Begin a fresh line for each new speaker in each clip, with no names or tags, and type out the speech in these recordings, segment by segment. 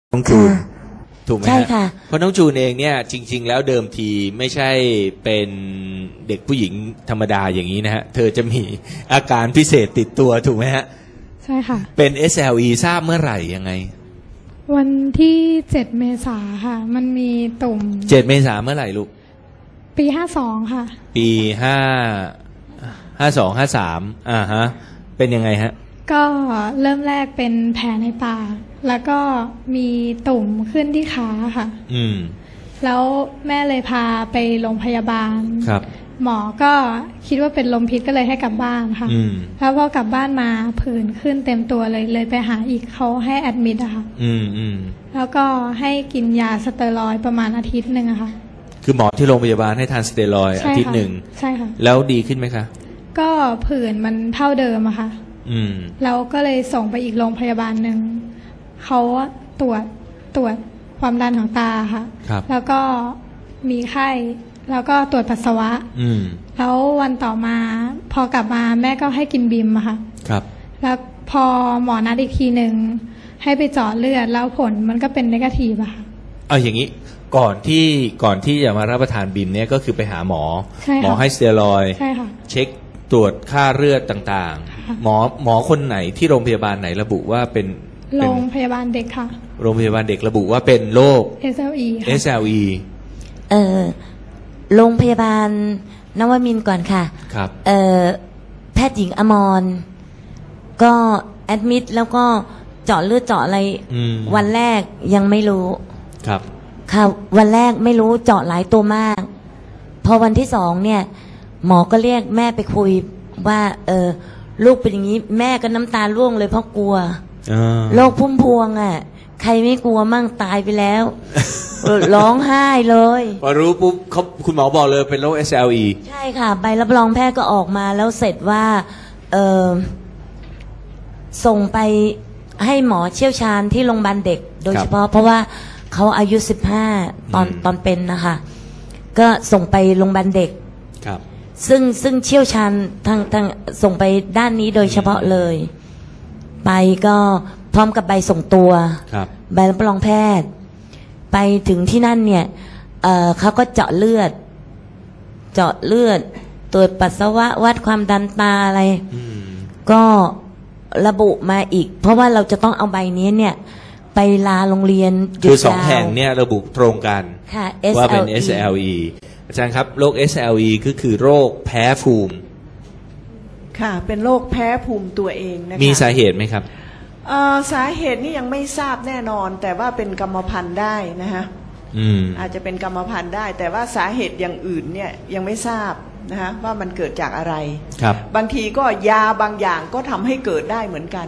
น้องจูนถูกไหม
ใช่
ฮะ
ค่ะ
เพราะน้องจูนเองเนี่ยจริง ๆ แล้วเดิมทีไม่ใช่เป็นเด็กผู้หญิงธรรมดาอย่างนี้นะฮะเธอจะมีอาการพิเศษติดตัวถูกไหมฮะ
ใช่ค่ะ
เป็น SLE ทราบเมื่อไหร่ยังไง
วันที่7 เมษาค่ะมันมีตุ่ม
7 เมษาเมื่อไหร่ลูก
ปี52ค่ะ
ปี52 53ฮะเป็นยังไงฮะ
ก็เริ่มแรกเป็นแผลในปากแล้วก็มีตุ่มขึ้นที่ขาค่ะแล้วแม่เลยพาไปโรงพยาบาล
ครับ
หมอก็คิดว่าเป็นลมพิษก็เลยให้กลับบ้านค่ะแล้วพอกลับบ้านมาผื่นขึ้นเต็มตัวเลยไปหาอีกเขาให้แอดมิดอะค่ะแล้วก็ให้กินยาสเตียรอยด์ประมาณอาทิตย์หนึ่งอะค่ะ
คือหมอที่โรงพยาบาลให้ทานสเตียรอยด์อาทิตย์หนึ่ง
ใช่ค่ะ
แล้วดีขึ้นไหมคะ
ก็ผื่นมันเท่าเดิมอะค่ะแล้วก็เลยส่งไปอีกโรงพยาบาลหนึ่งเขาตรวจความดันของตาค่ะแล้วก็มีไข้แล้วก็ตรวจปัสสาวะแล้ววันต่อมาพอกลับมาแม่ก็ให้กินบิมอะค่ะ
ครับ
แล้วพอหมอนัดอีกทีหนึ่งให้ไปเจาะเลือดแล้วผลมันก็เป็นเนกาทีฟอะค่ะ
เอาอย่างนี้ก่อนที่จะมารับประทานบิมเนี่ยก็คือไปหาหมอให้สเตียรอยด์เช็คตรวจค่าเลือดต่างๆหมอคนไหนที่โรงพยาบาลไหนระบุว่าเป็น
โรงพยาบาลเด็กค่ะ
โรงพยาบาลเด็กระบุว่าเป็นโรค
SLE ค่ะ
SLE
โรงพยาบาลนวมินทร์ก่อนค่ะ
ครับ
แพทย์หญิงอมรก็แอดมิดแล้วก็เจาะเลือดเจาะอะไรวันแรกยังไม่รู้
ครับ
ค่ะวันแรกไม่รู้เจาะหลายตัวมากพอวันที่2เนี่ยหมอก็เรียกแม่ไปคุยว่าลูกเป็นอย่างนี้แม่ก็น้ำตาร่วงเลยเพราะกลัวโรคพุ่มพวงอ่ะใครไม่กลัวมั่งตายไปแล้ว ร้องไห้เลย
พอรู้ปุ๊บคุณหมอบอกเลยเป็นโรค SLE
ใช่ค่ะใบรับรองแพทย์ก็ออกมาแล้วเสร็จว่าส่งไปให้หมอเชี่ยวชาญที่โรงพยาบาลเด็กโดยเฉพาะเพราะว่าเขาอายุ15ตอนเป็นนะคะก็ส่งไปโรงพยาบาลเด็ก
ครับ
ซึ่งเชี่ยวชาญทางส่งไปด้านนี้โดยเฉพาะเลยไปก็พร้อมกับใบส่งตัวใบรับรองแพทย์ไปถึงที่นั่นเนี่ยเขาก็เจาะเลือดตรวจปัสสาวะวัดความดันตาอะไรก็ระบุมาอีกเพราะว่าเราจะต้องเอาใบนี้เนี่ยไปลาโรงเรียน
คือ2 แห่งเนี่ยระบุตรงกันว่าเป็น SLE อาจารย์ครับโรค SLE ก็คือโรคแพ้ภูมิ
ค่ะเป็นโรคแพ้ภูมิตัวเองนะคะ
มีสาเหตุไหมครับ
สาเหตุนี่ยังไม่ทราบแน่นอนแต่ว่าเป็นกรรมพันธุ์ได้นะฮะอาจจะเป็นกรรมพันธุ์ได้แต่ว่าสาเหตุอย่างอื่นเนี่ยยังไม่ทราบนะฮะว่ามันเกิดจากอะไร
ครับ
บางทีก็ยาบางอย่างก็ทำให้เกิดได้เหมือนกัน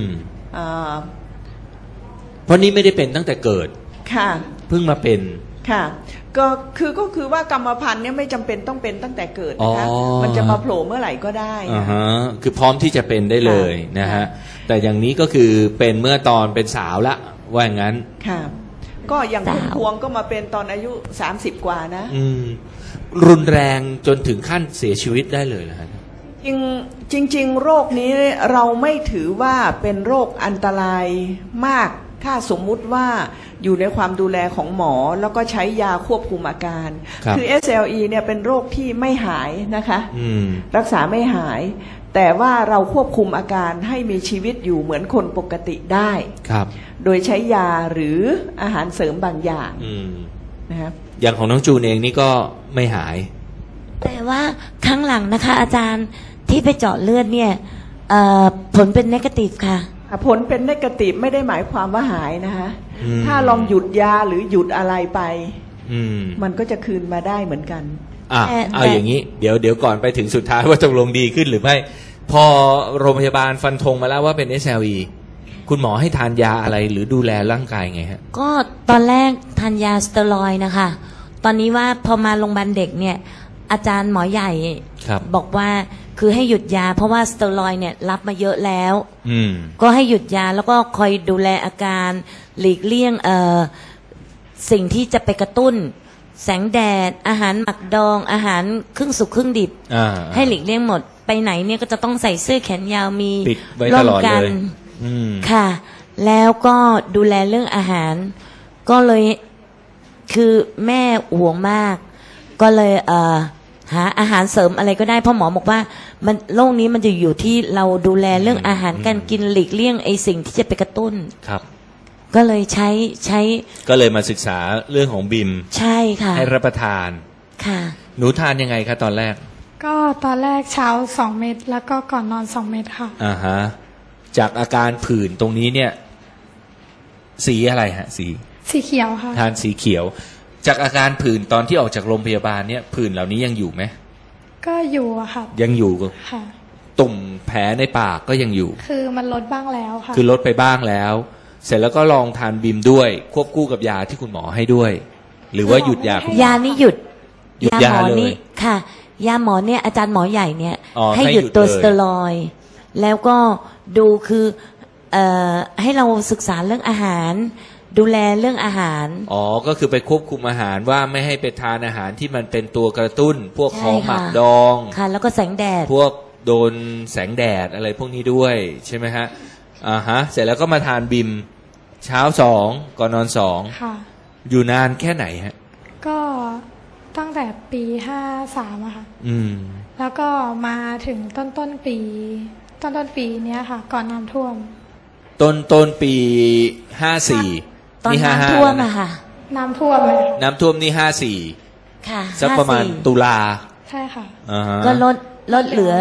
เพราะนี้ไม่ได้เป็นตั้งแต่เกิด
ค่ะ
เพิ่งมาเป็น
ค่ะก็คือว่ากรรมพันธุ์เนี่ยไม่จำเป็นต้องเป็นตั้งแต่เกิดนะคะมันจะมาโผล่เมื่อไหร่ก็ได้
คือพร้อมที่จะเป็นได้เลยนะฮะแต่อย่างนี้ก็คือเป็นเมื่อตอนเป็นสาวละว่าอย่างนั้น
ค่ะก็อย่างคุณพวงก็มาเป็นตอนอายุ30 กว่านะ
รุนแรงจนถึงขั้นเสียชีวิตได้เลยนะฮะ
จริงโรคนี้เราไม่ถือว่าเป็นโรคอันตรายมากถ้าสมมุติว่าอยู่ในความดูแลของหมอแล้วก็ใช้ยาควบคุมอาการคือ SLE เนี่ยเป็นโรคที่ไม่หายนะคะรักษาไม่หายแต่ว่าเราควบคุมอาการให้มีชีวิตอยู่เหมือนคนปกติได้โดยใช้ยาหรืออาหารเสริมบางอย่าง
นะครับอย่างของน้องจูนเองนี่ก็ไม่หาย
แต่ว่าครั้งหลังนะคะอาจารย์ที่ไปเจาะเลือดเนี่ยผลเป็นเนกาทีฟค่ะ
ผลเป็นเนกาทีฟไม่ได้หมายความว่าหายนะคะถ้าลองหยุดยาหรือหยุดอะไรไปมันก็จะคืนมาได้เหมือนกัน
เอาอย่างนี้เดี๋ยวก่อนไปถึงสุดท้ายว่าตกลงดีขึ้นหรือไม่พอโรงพยาบาลฟันธงมาแล้วว่าเป็น SLE คุณหมอให้ทานยาอะไรหรือดูแลร่างกายไงฮะ
ก็ตอนแรกทานยาสเตียรอยด์นะคะตอนนี้ว่าพอมาโรงพยาบาลเด็กเนี่ยอาจารย์หมอใหญ่บอกว่าคือให้หยุดยาเพราะว่าสเตียรอยด์เนี่ยรับมาเยอะแล้วก็ให้หยุดยาแล้วก็คอยดูแลอาการหลีกเลี่ยงสิ่งที่จะไปกระตุ้นแสงแดดอาหารหมักดองอาหารครึ่งสุกครึ่งดิบให้หลีกเลี่ยงหมดไปไหนเนี่ยก็จะต้องใส่เสื้อแขนยาวมี
ร่มกัน
ค่ะแล้วก็ดูแลเรื่องอาหารก็เลยคือแม่ห่วงมากก็เลยหาอาหารเสริมอะไรก็ได้เพราะหมอบอกว่ามันโรคนี้มันจะอยู่ที่เราดูแลเรื่องอาหารการกินหลีกเลี่ยงไอ้สิ่งที่จะไปกระตุ้น
ครับ
ก็เลยใช้
ก็เลยมาศึกษาเรื่องของบิม
ใช่ค่ะ
ให้รับประทาน
ค่ะ
หนูทานยังไงคะตอนแรก
ก็ตอนแรกเช้า2 เม็ดแล้วก็ก่อนนอน2 เม็ดค่ะ
ฮะจากอาการผื่นตรงนี้เนี่ยสีอะไรฮะ
สีเขียวค่ะ
ทานสีเขียวจากอาการผื่นตอนที่ออกจากโรงพยาบาลเนี่ยผื่นเหล่านี้ยังอยู่ไหม
ก็อยู่อะค่ะ
ยังอยู่
ค่ะ
ตุ่มแผลในปากก็ยังอยู่
คือมันลดบ้างแล้วค่ะ
คือลดไปบ้างแล้วเสร็จแล้วก็ลองทานบิมด้วยควบคู่กับยาที่คุณหมอให้ด้วยหรือว่าหยุด
ยานี่หยุดยาหมอนี่ค่ะยาหมอเนี่ยอาจารย์หมอใหญ่เนี่ยให้หยุดตัวสเตียรอยด์แล้วก็ดูคือให้เราศึกษาเรื่องอาหารดูแลเรื่องอาหาร
ก็คือไปควบคุมอาหารว่าไม่ให้ไปทานอาหารที่มันเป็นตัวกระตุ้นพวกของหมักดอง
ค่ะแล้วก็แสงแดด
พวกโดนแสงแดดอะไรพวกนี้ด้วยใช่ไหมฮะเสร็จแล้วก็มาทานบิมเช้า2ก่อนนอน2ค่ะอยู่นานแค่ไหนฮะ
ก็ตั้งแต่ปี53อะค่ะแล้วก็มาถึงต้นปีเนี้ยค่ะก่อนน้ำท่วม
ต้นปี54
นี่น้ำท่วมอะค่ะ
น้ำท่วมเลย
น้ำท่วมนี่54ค่ะสักประมาณตุลา
ใช่ค่ะ
ก็ลดเหลือ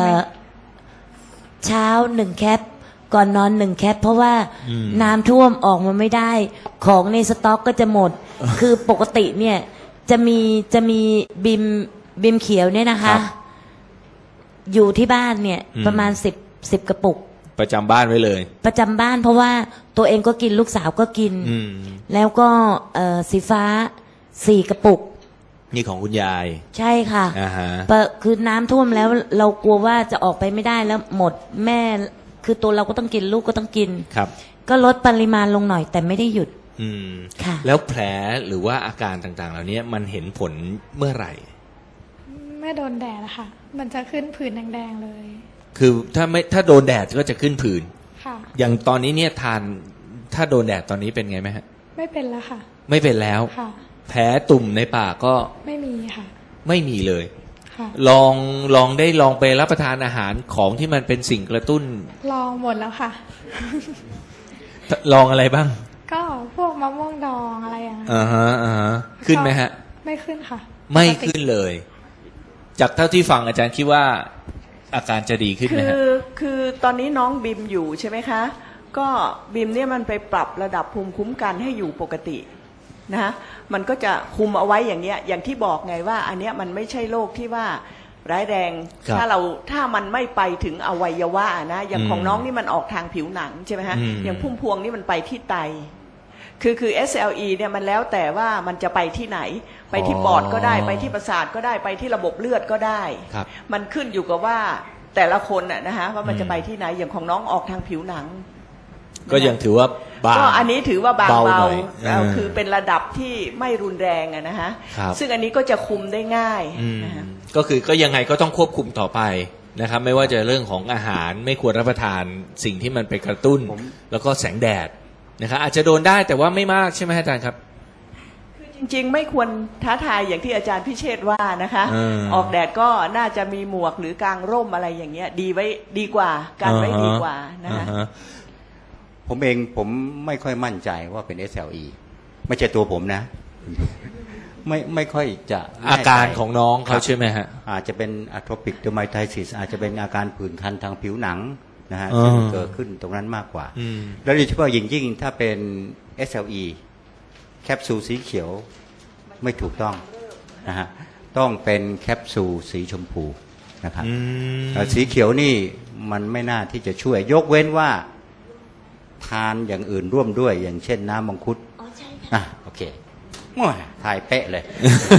เช้า1 แคปก่อนนอน1 แคปเพราะว่าน้ำท่วมออกมาไม่ได้ของในสต็อกก็จะหมดคือปกติเนี่ยจะมีบิมเขียวเนี่ยนะคะอยู่ที่บ้านเนี่ยประมาณ10 กระปุก
ประจำบ้านไว้เลย
ประจำบ้านเพราะว่าตัวเองก็กินลูกสาวก็กินแล้วก็สีฟ้า4 กระปุก
นี่ของคุณยาย
ใช่ค่ะคือน้ำท่วมแล้วเรากลัวว่าจะออกไปไม่ได้แล้วหมดแม่คือตัวเราก็ต้องกินลูกก็ต้องกิน
ครับ
ก็ลดปริมาณลงหน่อยแต่ไม่ได้หยุด
ค่ะแล้วแผลหรือว่าอาการต่างๆเหล่านี้มันเห็นผลเมื่อไหร่
ไม่โดนแดดอะค่ะมันจะขึ้นผื่นแดงๆเลย
คือถ้าโดนแดดก็จะขึ้นผื่น
ค่ะ
อย่างตอนนี้เนี่ยทานถ้าโดนแดดตอนนี้เป็นไงไหมฮะ
ไม่เป็นแล้วค่ะ
ไม่เป็นแล้ว
ค่ะ
แผลตุ่มในปากก็
ไม่มีค่ะ
ไม่มีเลย
ค่ะ
ลองไปรับประทานอาหารของที่มันเป็นสิ่งกระตุ้น
ลองหมดแล้วค่ะ
ลองอะไรบ้าง
ก็พวกมะม่วงดองอะไรอย่างเงี้
ยขึ้นไหมฮะ
ไม่ขึ้นค่ะ
ไม่ขึ้นเลยจากเท่าที่ฟังอาจารย์คิดว่าอาการจะดีขึ้นไหมฮะ
คือตอนนี้น้องบิมอยู่ใช่ไหมคะก็บิมเนี่ยมันไปปรับระดับภูมิคุ้มกันให้อยู่ปกตินะมันก็จะคุมเอาไว้อย่างเนี้ยอย่างที่บอกไงว่าอันเนี้ยมันไม่ใช่โรคที่ว่าร้ายแรงถ้ามันไม่ไปถึงอวัยวะนะอย่างของน้องนี่มันออกทางผิวหนังใช่ไหมฮะอย่างพุ่มพวงนี่มันไปที่ไตคือ SLE เนี่ยมันแล้วแต่ว่ามันจะไปที่ไหนไปที่ปอดก็ได้ไปที่ประสาทก็ได้ไปที่ระบบเลือดก็ได้มันขึ้นอยู่กับว่าแต่ละคนนะฮะว่ามันจะไปที่ไหนอย่างของน้องออกทางผิวหนัง
ก็ยังถือว่าบาง
ก็อันนี้ถือว่าเบาคือเป็นระดับที่ไม่รุนแรงนะฮะซึ่งอันนี้ก็จะคุมได้ง่าย
ก็คือก็ยังไงก็ต้องควบคุมต่อไปนะครับไม่ว่าจะเรื่องของอาหารไม่ควรรับประทานสิ่งที่มันไปกระตุ้นแล้วก็แสงแดดนะครับอาจจะโดนได้แต่ว่าไม่มากใช่ไหมอาจารย์ครับ
คือจริงๆไม่ควรท้าทายอย่างที่อาจารย์พิเชษว่านะคะออกแดดก็น่าจะมีหมวกหรือกางร่มอะไรอย่างเงี้ยดีกว่าการไว้ดีกว่านะคะ
ผมไม่ค่อยมั่นใจว่าเป็น SLE ไม่ใช่ตัวผมนะไม่ค่อยจะ
อาการของน้องเขาใช่ไหมฮะ
อาจจะเป็น atopic dermatitis อาจจะเป็นอาการผื่นคันทางผิวหนังนะฮะซึ่งเกิดขึ้นตรงนั้นมากกว่าแล้วโดยเฉพาะยิ่งถ้าเป็น SLE แคปซูลสีเขียวไม่ถูกต้องนะฮะต้องเป็นแคปซูลสีชมพูนะครับสีเขียวนี่มันไม่น่าที่จะช่วยยกเว้นว่าทานอย่างอื่นร่วมด้วยอย่างเช่นน้ำมังคุดโอเคถ่ายเป๊ะเลย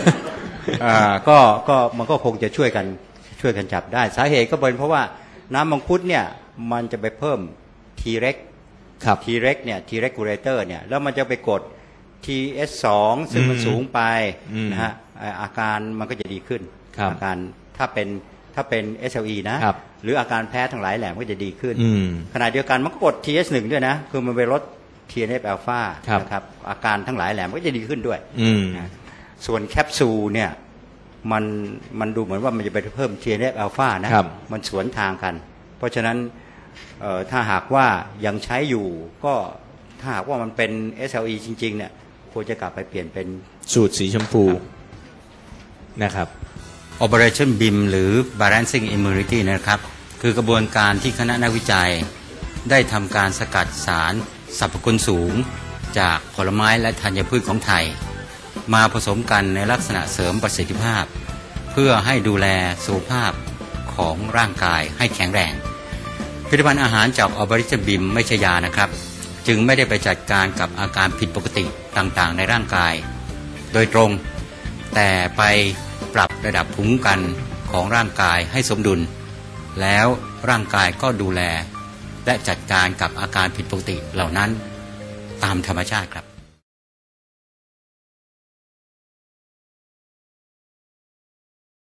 ก็มันก็คงจะช่วยกันจับได้สาเหตุก็เป็นเพราะว่าน้ำมังคุดเนี่ยมันจะไปเพิ่ม T-REX
ครับ
T-REX เนี่ย T-regulator เนี่ยแล้วมันจะไปกด TS2 ซึ่งมันสูงไปนะฮะอาการมันก็จะดีขึ้นอาการถ้าเป็นถ้าเป็น SLE นะหรืออาการแพ้ทั้งหลายแหล่ก็จะดีขึ้นขณะเดียวกันมันก็กด TH1 ด้วยนะคือมันไปลด TNF อัลฟานะครับอาการทั้งหลายแหล่ก็จะดีขึ้นด้วยส่วนแคปซูลเนี่ยมันดูเหมือนว่ามันจะไปเพิ่ม TNF อัลฟานะมันสวนทางกันเพราะฉะนั้นถ้าหากว่ายังใช้อยู่ก็ถ้าหากว่ามันเป็น SLE จริงๆเนี่ยควรจะกลับไปเปลี่ยนเป็น
สูตรสีชมพูนะครับ
Operation BIM หรือ Balancing Immunity นะครับคือกระบวนการที่คณะนักวิจัยได้ทำการสกัดสารสรรพคุณสูงจากผลไม้และธัญพืชของไทยมาผสมกันในลักษณะเสริมประสิทธิภาพเพื่อให้ดูแลสุขภาพของร่างกายให้แข็งแรงผลิตภัณฑ์อาหารจาก Operation BIM ไม่ใช่ยานะครับจึงไม่ได้ไปจัดการกับอาการผิดปกติต่างๆในร่างกายโดยตรงแต่ไปปรับระดับภูมิคุ้มกันของร่างกายให้สมดุลแล้วร่างกายก็ดูแลและจัดการกับอาการผิดปกติเหล่านั้นตามธรรมชาติครับ